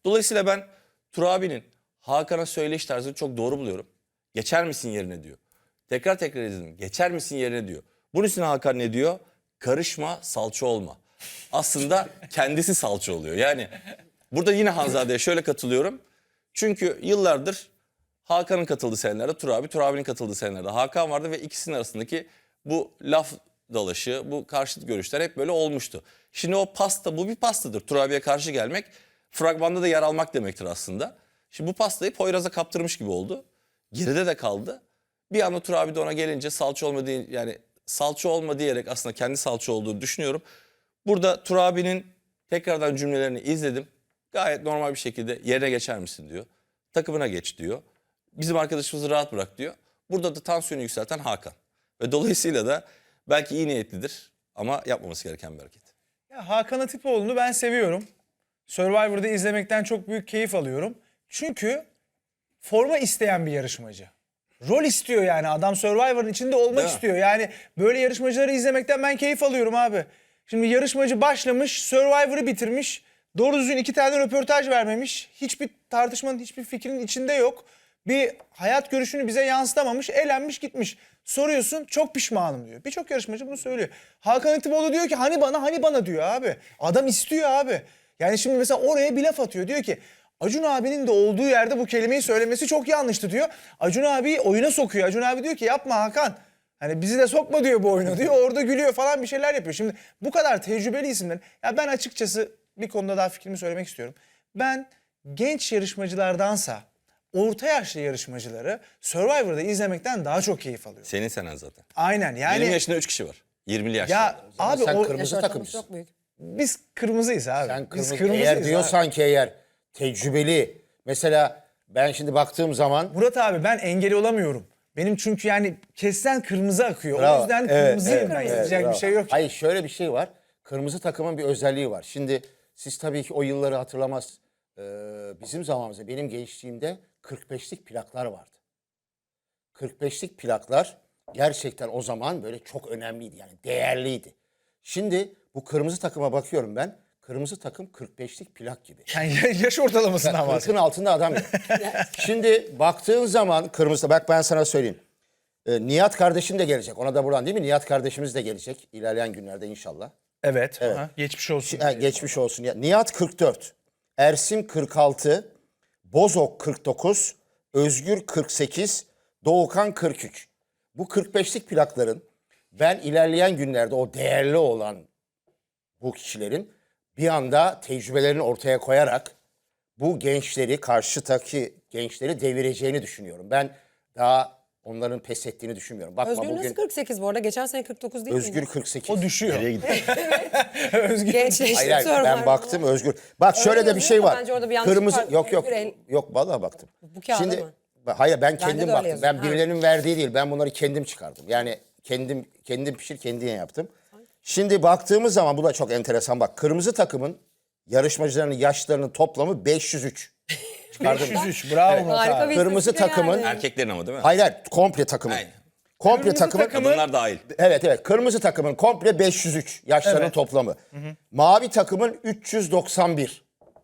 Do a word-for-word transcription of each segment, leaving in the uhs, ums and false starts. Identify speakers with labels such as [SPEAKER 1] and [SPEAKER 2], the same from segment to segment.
[SPEAKER 1] Dolayısıyla ben Tur abinin Hakan'a söyleyiş tarzını çok doğru buluyorum. Geçer misin yerine diyor. Tekrar tekrar izledim. Geçer misin yerine diyor. Bunun üstüne Hakan ne diyor? Karışma, salça olma. Aslında kendisi salça oluyor. Yani burada yine Hanzade'ye şöyle katılıyorum. Çünkü yıllardır Hakan'ın katıldığı senelerde Tur abi, Tur abinin katıldığı senelerde Hakan vardı ve ikisinin arasındaki bu laf dalaşı, bu karşıt görüşler hep böyle olmuştu. Şimdi o pasta, bu bir pastadır. Tur abiye karşı gelmek, fragmanda da yer almak demektir aslında. Şimdi bu pastayı Poyraz'a kaptırmış gibi oldu. Geride de kaldı. Bir anda Tur abi de ona gelince salça olma diye, yani salça olma diyerek aslında kendi salça olduğunu düşünüyorum. Burada Tur abinin tekrardan cümlelerini izledim. Gayet normal bir şekilde yerine geçer misin diyor. Takımına geç diyor. Bizim arkadaşımızı rahat bırak diyor. Burada da tansiyonu yükselten Hakan. Ve dolayısıyla da belki iyi niyetlidir ama yapmaması gereken bir hareket.
[SPEAKER 2] Ya Hakan Atipoğlu'nu ben seviyorum. Survivor'da izlemekten çok büyük keyif alıyorum. Çünkü forma isteyen bir yarışmacı. Rol istiyor yani. Adam Survivor'ın içinde olmak
[SPEAKER 1] Değil mi?
[SPEAKER 2] istiyor. Yani böyle yarışmacıları izlemekten ben keyif alıyorum abi. Şimdi yarışmacı başlamış, Survivor'ı bitirmiş. Doğru düzgün iki tane röportaj vermemiş. Hiçbir tartışmanın, hiçbir fikrin içinde yok. Bir hayat görüşünü bize yansıtamamış, eğlenmiş gitmiş. Soruyorsun, çok pişmanım diyor. Birçok yarışmacı bunu söylüyor. Hakan Atipoğlu diyor ki hani bana hani bana diyor abi. Adam istiyor abi. Yani şimdi mesela oraya bir laf atıyor. Diyor ki Acun abinin de olduğu yerde bu kelimeyi söylemesi çok yanlıştı diyor. Acun abi oyuna sokuyor. Acun abi diyor ki yapma Hakan. Hani bizi de sokma diyor bu oyuna diyor. Orada gülüyor falan bir şeyler yapıyor. Şimdi bu kadar tecrübeli isimler. Ya ben açıkçası bir konuda daha fikrimi söylemek istiyorum. Ben genç yarışmacılardansa orta yaşlı yarışmacıları Survivor'da izlemekten daha çok keyif alıyorum.
[SPEAKER 1] Senin senen zaten.
[SPEAKER 2] Aynen yani.
[SPEAKER 1] yirmi yaşında üç kişi var. yirmili yaşında.
[SPEAKER 2] Ya abi
[SPEAKER 3] sen
[SPEAKER 2] o,
[SPEAKER 3] kırmızı
[SPEAKER 4] Yaş
[SPEAKER 3] takımsın.
[SPEAKER 4] ortalaması çok büyük.
[SPEAKER 2] biz kırmızıyız abi.
[SPEAKER 3] Sen
[SPEAKER 2] biz
[SPEAKER 3] kırmızı,
[SPEAKER 2] kırmızıyız
[SPEAKER 3] eğer
[SPEAKER 2] abi.
[SPEAKER 3] diyorsan ki eğer tecrübeli, mesela ben şimdi baktığım zaman
[SPEAKER 2] Murat abi ben engel olamıyorum. Benim çünkü yani kessen kırmızı akıyor.
[SPEAKER 3] Bravo.
[SPEAKER 2] O yüzden
[SPEAKER 3] Evet,
[SPEAKER 2] kırmızıyım
[SPEAKER 3] evet,
[SPEAKER 2] ben.
[SPEAKER 3] evet,
[SPEAKER 2] Yapacak
[SPEAKER 3] bravo.
[SPEAKER 2] bir şey yok.
[SPEAKER 3] Hayır, şöyle bir şey var. Kırmızı takımın bir özelliği var. Şimdi siz tabii ki o yılları hatırlamaz. Ee, bizim zamanımızda, benim gençliğimde kırk beşlik plaklar vardı. kırk beşlik plaklar gerçekten o zaman böyle çok önemliydi, yani değerliydi. Şimdi bu kırmızı takıma bakıyorum ben. Kırmızı takım kırk beşlik plak gibi.
[SPEAKER 2] Yani yaş ortalamasından
[SPEAKER 3] kırkın
[SPEAKER 2] bahsediyorum.
[SPEAKER 3] altında adam yok. Şimdi baktığın zaman kırmızı, bak ben sana söyleyeyim. Ee, Nihat kardeşim de gelecek. Ona da buradan, değil mi? Nihat kardeşimiz de gelecek ilerleyen günlerde inşallah.
[SPEAKER 2] Evet. Aha, geçmiş olsun.
[SPEAKER 3] Ha, geçmiş olsun. Ya, Nihat kırk dört, Ersim kırk altı, Bozok kırk dokuz, Özgür kırk sekiz, Doğukan kırk üç. Bu kırk beşlik plakların ben ilerleyen günlerde o değerli olan bu kişilerin bir anda tecrübelerini ortaya koyarak bu gençleri, karşıdaki gençleri devireceğini düşünüyorum. Ben daha onların pes ettiğini düşünmüyorum. Bakma
[SPEAKER 4] Özgür
[SPEAKER 3] bugün
[SPEAKER 4] nasıl kırk sekiz bu arada? Geçen sene kırk dokuz değil
[SPEAKER 3] Özgür
[SPEAKER 4] miydi?
[SPEAKER 3] kırk sekiz.
[SPEAKER 2] O düşüyor.
[SPEAKER 1] Nereye gidiyor?
[SPEAKER 2] Özgür.
[SPEAKER 4] Gençleşti
[SPEAKER 3] Hayır, hayır, ben
[SPEAKER 4] Survivor'da.
[SPEAKER 3] baktım Özgür. Bak şöyle de bir
[SPEAKER 4] yazıyor
[SPEAKER 3] şey
[SPEAKER 4] ama
[SPEAKER 3] var.
[SPEAKER 4] bence orada bir yanlışlık
[SPEAKER 3] Kırmızı
[SPEAKER 4] var.
[SPEAKER 3] yok yok.
[SPEAKER 4] Özgür el-
[SPEAKER 3] Yok vallahi baktım.
[SPEAKER 4] Bu kağıda
[SPEAKER 3] Şimdi
[SPEAKER 4] mı?
[SPEAKER 3] hayır, ben
[SPEAKER 4] de
[SPEAKER 3] kendim
[SPEAKER 4] öyle
[SPEAKER 3] baktım.
[SPEAKER 4] yazıyor.
[SPEAKER 3] Ben
[SPEAKER 4] Ha.
[SPEAKER 3] birilerinin verdiği değil. Ben bunları kendim çıkardım. Yani kendim kendim pişir kendim yaptım. Şimdi baktığımız zaman bu da çok enteresan, bak. Kırmızı takımın yarışmacılarının yaşlarının toplamı beş yüz üç. Çıkardım.
[SPEAKER 2] beş yüz üç. Bravo Murat
[SPEAKER 4] Harika
[SPEAKER 2] abi.
[SPEAKER 4] bir
[SPEAKER 3] Kırmızı
[SPEAKER 4] istatistik
[SPEAKER 3] takımın-
[SPEAKER 4] yani.
[SPEAKER 1] Erkeklerin ama değil mi?
[SPEAKER 3] Hayır hayır, komple takımın.
[SPEAKER 1] Aynen.
[SPEAKER 3] Komple
[SPEAKER 2] Kırmızı
[SPEAKER 3] takımın.
[SPEAKER 2] takımın-
[SPEAKER 1] Kadınlar dahil.
[SPEAKER 3] Evet evet, kırmızı takımın komple beş yüz üç yaşlarının
[SPEAKER 2] Evet.
[SPEAKER 3] toplamı. Mavi takımın üç yüz doksan bir.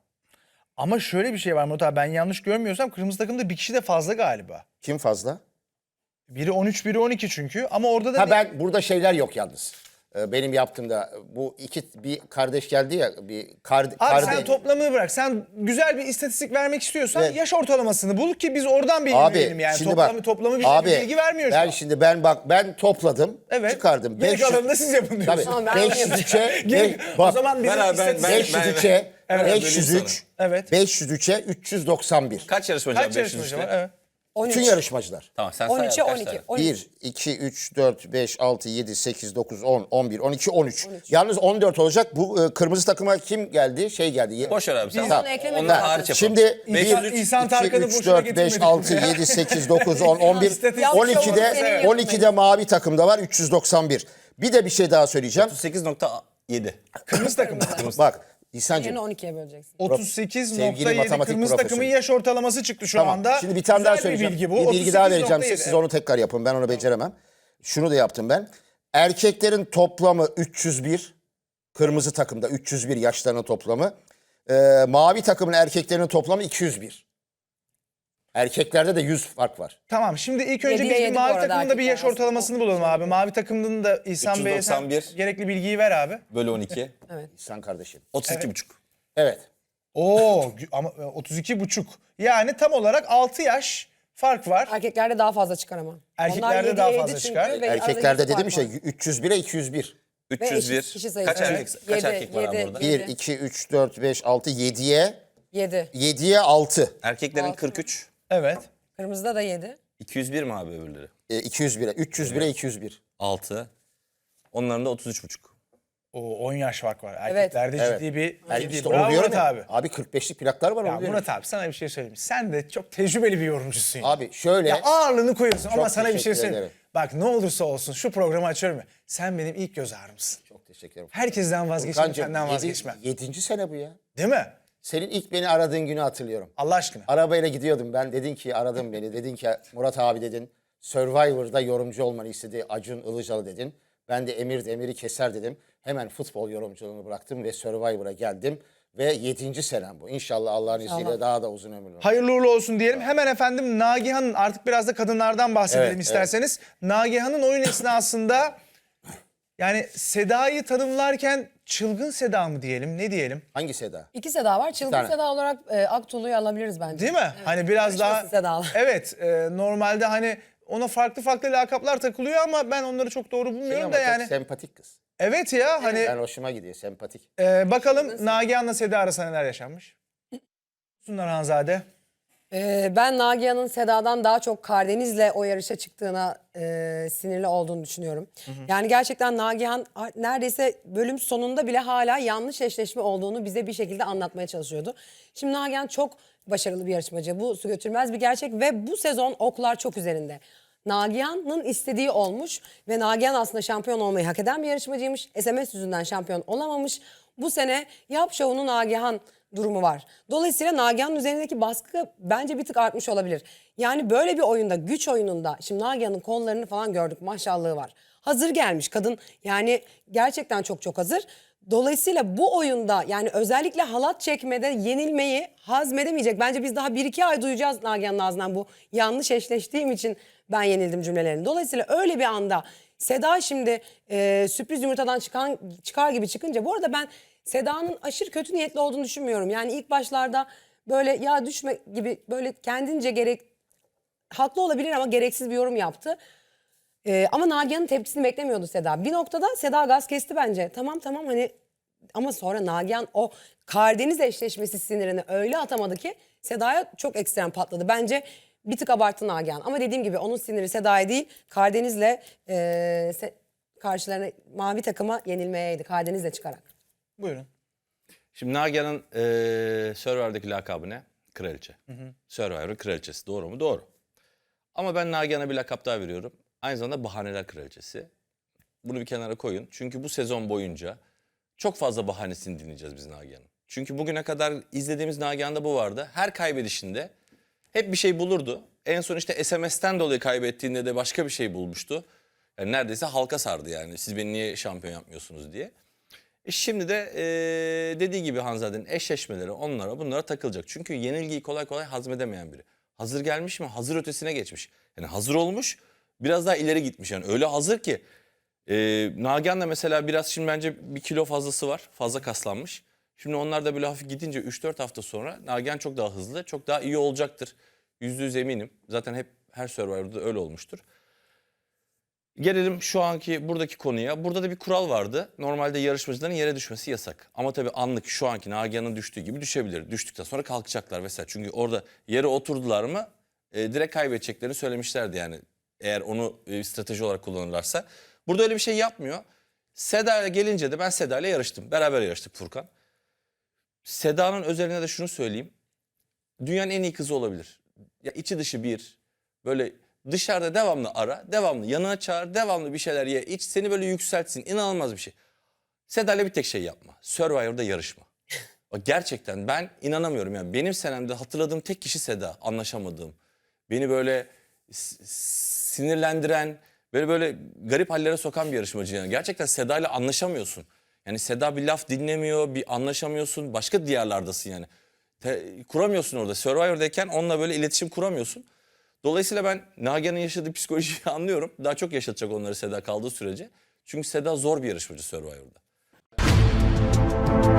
[SPEAKER 2] Ama şöyle bir şey var Murat abi, ben yanlış görmüyorsam kırmızı takımda bir kişi de fazla galiba.
[SPEAKER 3] Kim fazla?
[SPEAKER 2] Biri on üç, biri on iki çünkü. Ama orada da
[SPEAKER 3] Ha,
[SPEAKER 2] bir-
[SPEAKER 3] ben burada şeyler yok yalnız. Ee, Benim yaptığımda bu iki bir kardeş geldi ya, bir kar,
[SPEAKER 2] Abi
[SPEAKER 3] kardeş.
[SPEAKER 2] sen toplamını bırak. Sen güzel bir istatistik vermek istiyorsan
[SPEAKER 3] Evet.
[SPEAKER 2] yaş ortalamasını bul ki biz oradan bilgi
[SPEAKER 3] Abi
[SPEAKER 2] verelim yani.
[SPEAKER 3] şimdi
[SPEAKER 2] Toplamı,
[SPEAKER 3] bak.
[SPEAKER 2] toplamı bize
[SPEAKER 3] abi,
[SPEAKER 2] bir bilgi vermiyor şu
[SPEAKER 3] ben
[SPEAKER 2] an.
[SPEAKER 3] şimdi ben bak ben topladım.
[SPEAKER 2] Evet.
[SPEAKER 3] Çıkardım.
[SPEAKER 2] Geri
[SPEAKER 3] beş yüz
[SPEAKER 2] kalanını da siz yapın diyorsun.
[SPEAKER 3] Tabii.
[SPEAKER 4] Tamam, ben
[SPEAKER 3] beş yüz üçe
[SPEAKER 2] Geri- o
[SPEAKER 3] bak
[SPEAKER 2] zaman bizim
[SPEAKER 1] Ben abi, ben-
[SPEAKER 2] istatistik...
[SPEAKER 1] ben-
[SPEAKER 3] beş yüz üçe
[SPEAKER 1] Evet,
[SPEAKER 3] beş yüz
[SPEAKER 1] böleyim
[SPEAKER 3] üç.
[SPEAKER 2] Evet.
[SPEAKER 3] beş yüz üçe üç yüz doksan bir.
[SPEAKER 1] Kaç yarışmacı var?
[SPEAKER 2] Kaç
[SPEAKER 1] beş yüz
[SPEAKER 2] yarışmacı
[SPEAKER 1] üçte?
[SPEAKER 2] var? Evet.
[SPEAKER 4] on üç.
[SPEAKER 3] Bütün yarışmacılar.
[SPEAKER 1] Tamam sen say
[SPEAKER 4] on üçe
[SPEAKER 1] abi, kaç
[SPEAKER 4] on iki.
[SPEAKER 1] tane?
[SPEAKER 4] on üç.
[SPEAKER 3] bir, iki, üç, dört, beş, altı, yedi, sekiz, dokuz, on, on bir, on iki, on üç. Yalnız on dört olacak. Bu e, kırmızı takıma kim geldi? Şey geldi.
[SPEAKER 1] Boş ver abi sen.
[SPEAKER 4] Biz
[SPEAKER 1] Tamam.
[SPEAKER 4] onu eklemedik
[SPEAKER 1] Onlar
[SPEAKER 4] zaten.
[SPEAKER 1] hariç yapalım.
[SPEAKER 3] Şimdi
[SPEAKER 2] İhsan-
[SPEAKER 3] bir,
[SPEAKER 2] İhsan
[SPEAKER 3] iki,
[SPEAKER 2] Tarkan'ı
[SPEAKER 3] üç,
[SPEAKER 2] boşuna
[SPEAKER 3] dört, beş,
[SPEAKER 2] getirmedik
[SPEAKER 3] altı,
[SPEAKER 2] buraya.
[SPEAKER 3] yedi, sekiz, dokuz, on, on bir,
[SPEAKER 2] İstatistik
[SPEAKER 3] on ikide,
[SPEAKER 4] Evet.
[SPEAKER 3] on ikide mavi takımda var üç yüz doksan bir. Bir de bir şey daha söyleyeceğim.
[SPEAKER 1] otuz sekiz nokta yedi.
[SPEAKER 2] Kırmızı takım.
[SPEAKER 3] Bak
[SPEAKER 4] Yerine
[SPEAKER 3] İhsan'cığım.
[SPEAKER 4] on ikiye böleceksin.
[SPEAKER 2] otuz sekiz nokta
[SPEAKER 3] Sevgili
[SPEAKER 2] yedi
[SPEAKER 3] matematik
[SPEAKER 2] kırmızı
[SPEAKER 3] profesörü.
[SPEAKER 2] takımın yaş ortalaması çıktı şu
[SPEAKER 3] Tamam.
[SPEAKER 2] anda.
[SPEAKER 3] Şimdi bir tane daha
[SPEAKER 2] Güzel
[SPEAKER 3] söyleyeceğim.
[SPEAKER 2] Bir bilgi bu.
[SPEAKER 3] Bir bilgi daha vereceğim size.
[SPEAKER 2] otuz sekiz nokta yedi.
[SPEAKER 3] Siz onu tekrar yapın. Ben onu beceremem. Şunu da yaptım ben. Erkeklerin toplamı üç yüz bir. Kırmızı takımda üç yüz bir yaşlarının toplamı. Ee, mavi takımın erkeklerinin toplamı iki yüz bir. Erkeklerde de yüz fark var.
[SPEAKER 2] Tamam, şimdi ilk önce
[SPEAKER 4] Yediye
[SPEAKER 2] biz bir
[SPEAKER 4] yedi bu
[SPEAKER 2] mavi
[SPEAKER 4] arada
[SPEAKER 2] takımında bir yaş
[SPEAKER 4] erkekler
[SPEAKER 2] ortalamasını bulalım abi. Mavi takımının da İhsan Bey'e sen
[SPEAKER 1] üç yüz doksan bir.
[SPEAKER 2] gerekli bilgiyi ver abi.
[SPEAKER 1] Bölü on iki.
[SPEAKER 3] İhsan kardeşim.
[SPEAKER 1] otuz iki buçuk.
[SPEAKER 3] Evet.
[SPEAKER 2] Oo gü- ama otuz iki buçuk. Yani tam olarak altı yaş fark var.
[SPEAKER 4] Erkeklerde daha fazla çıkar ama.
[SPEAKER 2] Erkeklerde
[SPEAKER 4] Onlar yediye
[SPEAKER 2] daha
[SPEAKER 4] yedi
[SPEAKER 2] fazla
[SPEAKER 4] çünkü
[SPEAKER 2] çıkar.
[SPEAKER 4] ve
[SPEAKER 3] Erkeklerde
[SPEAKER 4] arada yüz
[SPEAKER 3] dedim
[SPEAKER 4] fark
[SPEAKER 3] işte
[SPEAKER 4] var.
[SPEAKER 3] üç yüz bire iki yüz bir.
[SPEAKER 1] üç yüz bir.
[SPEAKER 4] eşit kişi sayısı.
[SPEAKER 1] Kaç erkek,
[SPEAKER 4] Evet.
[SPEAKER 1] kaç
[SPEAKER 4] Yedi,
[SPEAKER 1] erkek var abi
[SPEAKER 4] yedi.
[SPEAKER 1] orada?
[SPEAKER 3] bir,
[SPEAKER 4] Yedi.
[SPEAKER 3] iki, üç, dört, beş, altı, yediye
[SPEAKER 4] yedi.
[SPEAKER 3] yediye altı.
[SPEAKER 1] Erkeklerin
[SPEAKER 4] Altı.
[SPEAKER 1] kırk üç.
[SPEAKER 2] Evet.
[SPEAKER 4] Kırmızıda da yedi.
[SPEAKER 1] iki yüz bir mi abi öbürleri?
[SPEAKER 3] E, iki yüz bire. üç yüz bire iki yüz bir.
[SPEAKER 1] altı. Onların da otuz üç buçuk.
[SPEAKER 2] O on yaş fark var.
[SPEAKER 4] Evet.
[SPEAKER 2] Erkeklerde
[SPEAKER 3] Evet.
[SPEAKER 2] ciddi bir
[SPEAKER 3] Yani
[SPEAKER 2] ciddi.
[SPEAKER 3] işte
[SPEAKER 2] Bravo
[SPEAKER 3] onu diyorum
[SPEAKER 2] Murat
[SPEAKER 3] ya.
[SPEAKER 2] abi.
[SPEAKER 3] Abi kırk beşlik plaklar var
[SPEAKER 2] Ya
[SPEAKER 3] onu diyorum.
[SPEAKER 2] Murat abi sana bir şey söyleyeyim. Sen de çok tecrübeli bir yorumcusun ya.
[SPEAKER 3] Abi şöyle.
[SPEAKER 2] Ya ağırlığını koyuyorsun ama sana bir şey
[SPEAKER 3] teşekkür
[SPEAKER 2] söyleyeyim.
[SPEAKER 3] ederim.
[SPEAKER 2] Bak ne olursa olsun şu programı açıyorum ya. Sen benim ilk göz ağrımsın.
[SPEAKER 3] Çok teşekkür ederim.
[SPEAKER 2] Herkesten vazgeçmem,
[SPEAKER 3] Furkancığım,
[SPEAKER 2] senden
[SPEAKER 3] yedi-
[SPEAKER 2] vazgeçmem.
[SPEAKER 3] Yedinci sene bu ya.
[SPEAKER 2] Değil mi?
[SPEAKER 3] Senin ilk beni aradığın günü hatırlıyorum.
[SPEAKER 2] Allah aşkına.
[SPEAKER 3] Arabayla gidiyordum ben. Dedin ki aradın beni. Dedin ki Murat abi dedin. Survivor'da yorumcu olmanı istedi. Acun Ilıcalı dedin. Ben de Emir Demir'i keser dedim. Hemen futbol yorumculuğunu bıraktım ve Survivor'a geldim. Ve yedinci senem bu. İnşallah Allah'ın izniyle daha da uzun ömürlü.
[SPEAKER 2] Hayırlı uğurlu olsun diyelim. Hemen efendim Nagihan'ın artık biraz da kadınlardan bahsedelim
[SPEAKER 3] Evet,
[SPEAKER 2] isterseniz. Nagihan'ın oyun esnasında yani Seda'yı tanımlarken çılgın Seda mı diyelim ne diyelim?
[SPEAKER 3] Hangi Seda?
[SPEAKER 4] İki Seda var. Çılgın
[SPEAKER 3] tane.
[SPEAKER 4] Seda olarak e, Aktulu'yu alabiliriz bence.
[SPEAKER 2] Değil mi? Hani biraz daha
[SPEAKER 4] Karışmasın Sedalar.
[SPEAKER 2] evet e, normalde hani ona farklı farklı lakaplar takılıyor ama ben onları çok doğru
[SPEAKER 3] Şey
[SPEAKER 2] bulmuyorum
[SPEAKER 3] ama
[SPEAKER 2] da
[SPEAKER 3] çok
[SPEAKER 2] yani.
[SPEAKER 3] sempatik kız.
[SPEAKER 2] Evet ya hani
[SPEAKER 3] Ben hoşuma gidiyor sempatik.
[SPEAKER 2] e, bakalım Nagihan'la Seda arasında neler yaşanmış. Sunlar Hanzade.
[SPEAKER 4] Ee, ben Nagihan'ın Seda'dan daha çok Kardeniz'le o yarışa çıktığına e, sinirli olduğunu düşünüyorum. Yani gerçekten Nagihan a- neredeyse bölüm sonunda bile hala yanlış eşleşme olduğunu bize bir şekilde anlatmaya çalışıyordu. Şimdi Nagihan çok başarılı bir yarışmacı. Bu su götürmez bir gerçek ve bu sezon oklar çok üzerinde. Nagihan'ın istediği olmuş ve Nagihan aslında şampiyon olmayı hak eden bir yarışmacıymış. S M S yüzünden şampiyon olamamış. Bu sene Yap Şovu'nu Nagihan durumu var. Dolayısıyla Nagihan'ın üzerindeki baskı bence bir tık artmış olabilir. Yani böyle bir oyunda, güç oyununda, şimdi Nagihan'ın kollarını falan gördük, maşallahı var. Hazır gelmiş kadın, yani gerçekten çok çok hazır. Dolayısıyla bu oyunda yani özellikle halat çekmede yenilmeyi hazmedemeyecek. Bence biz daha bir iki ay duyacağız Nagihan'ın ağzından bu yanlış eşleştiğim için ben yenildim cümlelerini. Dolayısıyla öyle bir anda Seda şimdi e, sürpriz yumurtadan çıkan çıkar gibi çıkınca, bu arada ben Seda'nın aşırı kötü niyetli olduğunu düşünmüyorum. Yani ilk başlarda böyle ya düşme gibi böyle kendince gerek haklı olabilir ama gereksiz bir yorum yaptı. Ee, ama Nagihan'ın tepkisini beklemiyordu Seda. Bir noktada Seda gaz kesti bence. Tamam tamam hani, ama sonra Nagihan o Karadeniz eşleşmesi sinirini öyle atamadı ki Seda'ya çok ekstrem patladı. Bence bir tık abarttı Nagihan. Ama dediğim gibi onun siniri Seda'ya değil, Karadeniz'le e, se- karşılarına mavi takıma yenilmeyeydi. Karadeniz'le çıkarak.
[SPEAKER 2] Buyurun.
[SPEAKER 1] Şimdi Nagihan'ın eee Survivor'daki lakabı ne? Kraliçe. Survivor'ın kraliçesi. Doğru mu? Doğru. Ama ben Nagihan'a bir lakap daha veriyorum. Aynı zamanda bahaneler kraliçesi. Bunu bir kenara koyun. Çünkü bu sezon boyunca çok fazla bahanesini dinleyeceğiz biz Nagihan'ın. Çünkü bugüne kadar izlediğimiz Nagihan'da bu vardı. Her kaybedişinde hep bir şey bulurdu. En son işte S M S'ten dolayı kaybettiğinde de başka bir şey bulmuştu. Yani neredeyse halka sardı yani. Siz beni niye şampiyon yapmıyorsunuz diye. E şimdi de e, dediği gibi Hanzade'nin eşleşmeleri onlara bunlara takılacak. Çünkü yenilgiyi kolay kolay hazmedemeyen biri. Hazır gelmiş mi? Hazır ötesine geçmiş. Yani hazır olmuş, biraz daha ileri gitmiş. Yani öyle hazır ki e, Nagihan da mesela biraz şimdi bence bir kilo fazlası var. Fazla kaslanmış. Şimdi onlar da böyle hafif gidince üç dört hafta sonra Nagihan çok daha hızlı, çok daha iyi olacaktır. Yüzde yüz eminim. Zaten hep her Survivor'da öyle olmuştur. Gelelim şu anki buradaki konuya. Burada da bir kural vardı. Normalde yarışmacıların yere düşmesi yasak. Ama tabii anlık şu anki Nagihan'ın düştüğü gibi düşebilir. Düştükten sonra kalkacaklar vesaire. Çünkü orada yere oturdular mı e, direkt kaybedeceklerini söylemişlerdi yani. Eğer onu e, strateji olarak kullanırlarsa. Burada öyle bir şey yapmıyor. Seda'ya gelince de ben Seda'yla yarıştım. Beraber yarıştık Furkan. Seda'nın özelliğine de şunu söyleyeyim. Dünyanın en iyi kızı olabilir. Ya içi dışı bir. Böyle dışarıda devamlı ara, devamlı yanına çağır, devamlı bir şeyler ye, iç, seni böyle yükseltsin. İnanılmaz bir şey. Seda'yla bir tek şey yapma. Survivor'da yarışma. Bak gerçekten ben inanamıyorum yani. Benim senemde hatırladığım tek kişi Seda. Anlaşamadığım. Beni böyle s- sinirlendiren, böyle böyle garip hallere sokan bir yarışmacı yani. Gerçekten Seda'yla anlaşamıyorsun. Yani Seda bir laf dinlemiyor, bir anlaşamıyorsun. Başka diyarlardasın yani. Te- kuramıyorsun orada. Survivor'dayken onunla böyle iletişim kuramıyorsun. Dolayısıyla ben Nagihan'ın yaşadığı psikolojiyi anlıyorum. Daha çok yaşatacak onları Seda kaldığı sürece. Çünkü Seda zor bir yarışmacı Survivor'da.